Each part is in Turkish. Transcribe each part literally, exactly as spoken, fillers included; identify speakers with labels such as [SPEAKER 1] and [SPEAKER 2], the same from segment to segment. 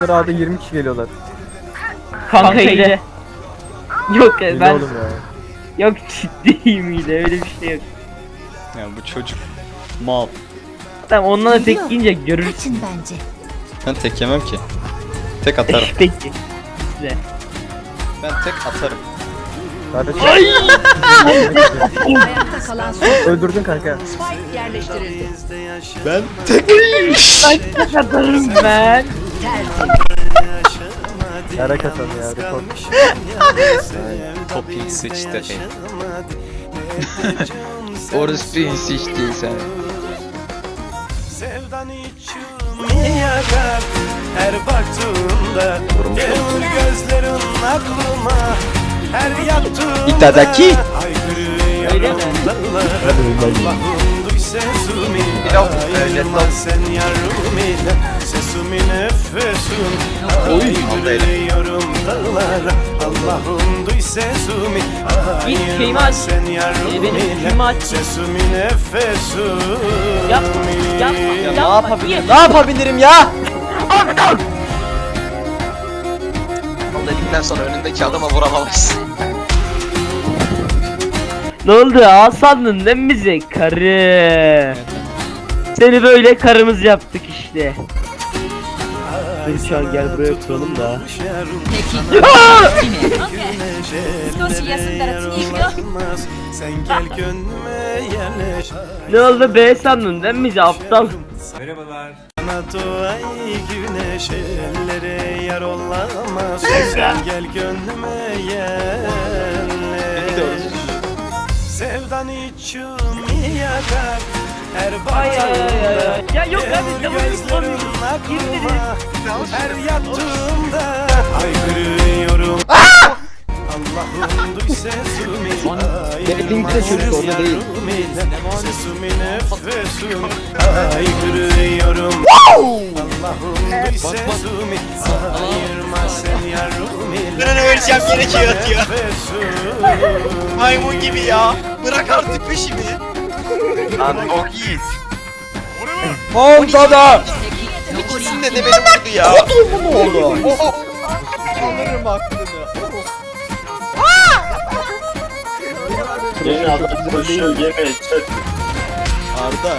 [SPEAKER 1] Sırada yirmi kişi geliyorlar.
[SPEAKER 2] Kanka ile. Yok ya
[SPEAKER 1] Hile
[SPEAKER 2] ben
[SPEAKER 1] oğlum ya.
[SPEAKER 2] yok ciddiyim ile öyle bir şey yok.
[SPEAKER 3] Ya bu çocuk mal.
[SPEAKER 2] Tamam ondan da tek
[SPEAKER 4] Yok.
[SPEAKER 2] yiyince görürsün.
[SPEAKER 4] Kaçın bence.
[SPEAKER 3] Ben tek yemem ki. Tek atarım.
[SPEAKER 2] Peki. Size.
[SPEAKER 3] Ben tek atarım.
[SPEAKER 1] Kardeşim.
[SPEAKER 4] Ayakta kalan son.
[SPEAKER 1] Öldürdün kanka.
[SPEAKER 4] Spike yerleştirildi.
[SPEAKER 3] Ben tek.
[SPEAKER 2] Ben katarım ben.
[SPEAKER 1] Yara kasan ya. Rekor.
[SPEAKER 5] Topping sıçtı. Orası sıçtı sen.
[SPEAKER 6] Sevdan içimi yakar her baktığımda. Gelir gözlerin aklıma her yattığımda.
[SPEAKER 3] İtadaki.
[SPEAKER 2] Öyle mi?
[SPEAKER 6] Allah'ım duy sesimi. Ayırma sen yarımı. Sesimi nefesim. Ayrılıyorum dağlar. Allah'ım duy sesimi.
[SPEAKER 2] Git şeyimi
[SPEAKER 6] Ayırma
[SPEAKER 2] aç.
[SPEAKER 6] sen
[SPEAKER 2] Ee,
[SPEAKER 6] yarımı.
[SPEAKER 2] benim şeyimi aç.
[SPEAKER 6] Sesimi nefesim.
[SPEAKER 2] Yapma, yapma,
[SPEAKER 3] Ya ne
[SPEAKER 2] yapma.
[SPEAKER 3] yapabilirim? Ne yapabilirim ya?
[SPEAKER 5] O dedikten sonra önündeki adama vuramamışsın.
[SPEAKER 2] Ne oldu? Ağ sandın değil mi bize? Karı. Seni böyle karımız yaptık işte. Gülşah gel buraya oturalım da.
[SPEAKER 6] Sen gel gönlüme yerleş.
[SPEAKER 2] Ne oldu be sandın değil mi bize aptal?
[SPEAKER 6] Bana doğay güneş ellere yar olamaz. Sen gel gönlüme yerleş. Sevdan içimi yakar her
[SPEAKER 2] Ay ay ay ay.
[SPEAKER 6] baktığımda.
[SPEAKER 2] Ya yok abi
[SPEAKER 6] Gelir
[SPEAKER 2] ya
[SPEAKER 6] gözlerin
[SPEAKER 2] bunu
[SPEAKER 6] aklıma her yattığımda. Haykırıyorum. Allah'ım duy sesimi.
[SPEAKER 1] Linkte çocuk orada değil.
[SPEAKER 6] Sesimi nefesim. Haykırıyorum. Allah'ım duy sesimi. Ayırma sen yarım ile.
[SPEAKER 5] Ben öleceğim gerekiyor diyor.
[SPEAKER 6] Nefesim.
[SPEAKER 5] Maymun gibi ya. Bırak artık peşimi. Lan o yiğit.
[SPEAKER 3] Montada.
[SPEAKER 5] İkisinde de beni vurdu ya.
[SPEAKER 3] Ne oldu? Alırım aklını. Arda.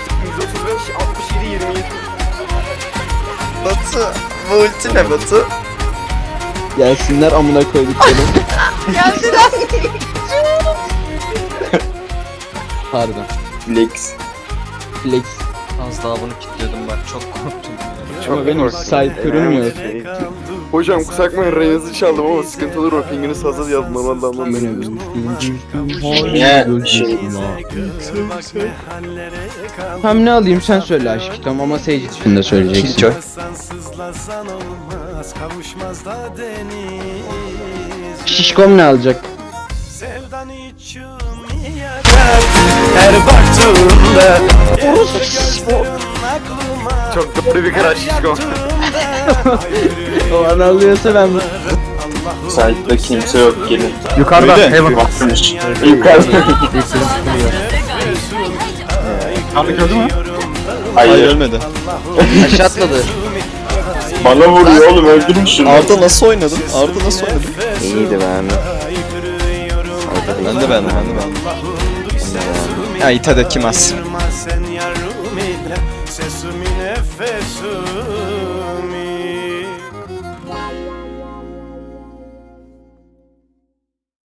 [SPEAKER 5] Batu. Bu ulti ne Batu?
[SPEAKER 1] Gelsinler amına koyduklarım. Pardon.
[SPEAKER 5] Flex.
[SPEAKER 1] Flex.
[SPEAKER 3] Az daha bunu kilitliyordum bak çok korktum.
[SPEAKER 1] Ama benim site kırılmıyor.
[SPEAKER 7] Hocam kusura bakmayın Reyna'sı çaldım ama sıkıntı olur o pinginiz fazla yazdım normalde anlamıyorum.
[SPEAKER 1] Hem ne alayım sen söyle aşkım ama Sage için de söyleyeceksin.
[SPEAKER 3] Killjoy.
[SPEAKER 6] Sızlasan olmaz, kavuşmaz da deniz.
[SPEAKER 1] Şişkom ne alacak?
[SPEAKER 6] Sevdan içimi yakar her baktığımda. Gelir gözlerin aklıma
[SPEAKER 7] Çok doğru bir karar şişko.
[SPEAKER 1] O an alıyorsa ben
[SPEAKER 7] Site'da kimse yok gelin.
[SPEAKER 1] yukarıda
[SPEAKER 3] Öyle.
[SPEAKER 1] Heaven.
[SPEAKER 7] Yukarıda.
[SPEAKER 6] Abi gördü mü?
[SPEAKER 3] Hayır
[SPEAKER 7] Hayır.
[SPEAKER 3] ölmedi.
[SPEAKER 5] Aşağı atladı.
[SPEAKER 7] Bana vuruyor oğlum öldürün şunu.
[SPEAKER 3] Arda nasıl oynadın? Arda nasıl oynadın?
[SPEAKER 7] İyiydi ben.
[SPEAKER 3] Ben de beğendim ben de beğendim. Ya Itadaki mas.
[SPEAKER 6] Sen yar